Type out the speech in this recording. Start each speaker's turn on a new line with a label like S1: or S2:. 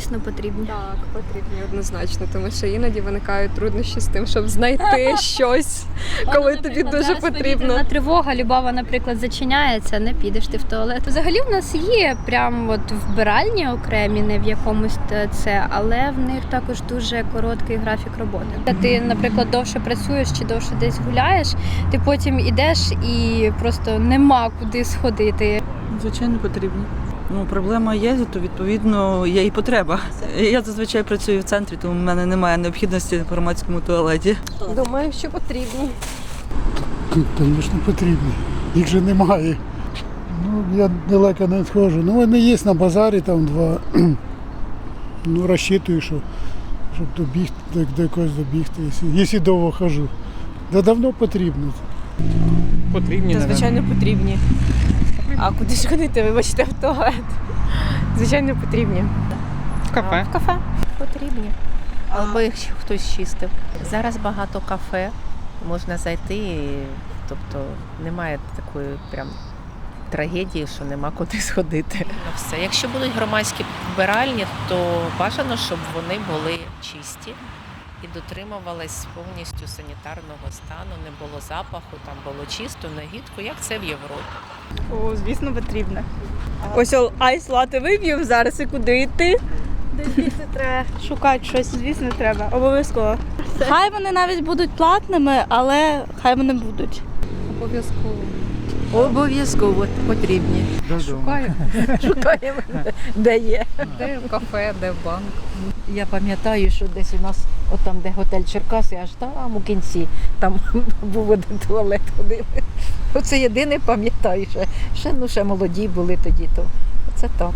S1: Звісно, потрібні.
S2: Так, потрібні однозначно, тому що іноді виникають труднощі з тим, щоб знайти щось, коли тобі дуже потрібно.
S1: Тривога, Любава, наприклад, зачиняється, не підеш ти в туалет. Взагалі в нас є прям от вбиральні окремі, не в якомусь це, але в них також дуже короткий графік роботи. Ти, наприклад, довше працюєш чи довше десь гуляєш, ти потім ідеш і просто нема куди сходити.
S3: Звичайно, потрібні. Проблема є, то відповідно є і потреба. Я зазвичай працюю в центрі, тому в мене немає необхідності в громадському туалеті.
S2: Думаю, що потрібні.
S4: Звісно, потрібні. Їх же немає. Я далеко не відходжу. Вони є на базарі, там два. Розчитую, щоб добігти, до якогось добігти, якщо довго хожу. Давно потрібно.
S5: Потрібні,
S2: Звичайно, потрібні. А куди ж ходити, вибачте, в туалет? Звичайно, потрібні.
S5: в кафе.
S2: В кафе.
S6: Потрібні. Або їх хтось чистив. Зараз багато кафе, можна зайти, тобто немає такої прям трагедії, що нема куди сходити. Все. Якщо будуть громадські вбиральні, то бажано, щоб вони були чисті і дотримувались повністю санітарного стану, не було запаху, там було чисто, негідко, як це в Європі.
S7: О, звісно, потрібно. Ось айс лати вип'ємо зараз і куди йти?
S8: Звісно, треба шукати щось.
S7: Звісно, треба. Обов'язково.
S8: Хай вони навіть будуть платними, але хай вони будуть.
S6: Обов'язково потрібні.
S9: Шукаємо, де є.
S2: Де в кафе, де в банк.
S9: Я пам'ятаю, що десь у нас, отам, де готель Черкаси, аж там у кінці, там був один туалет, ходили. Оце єдине пам'ятаю, ще молоді були тоді, то це так.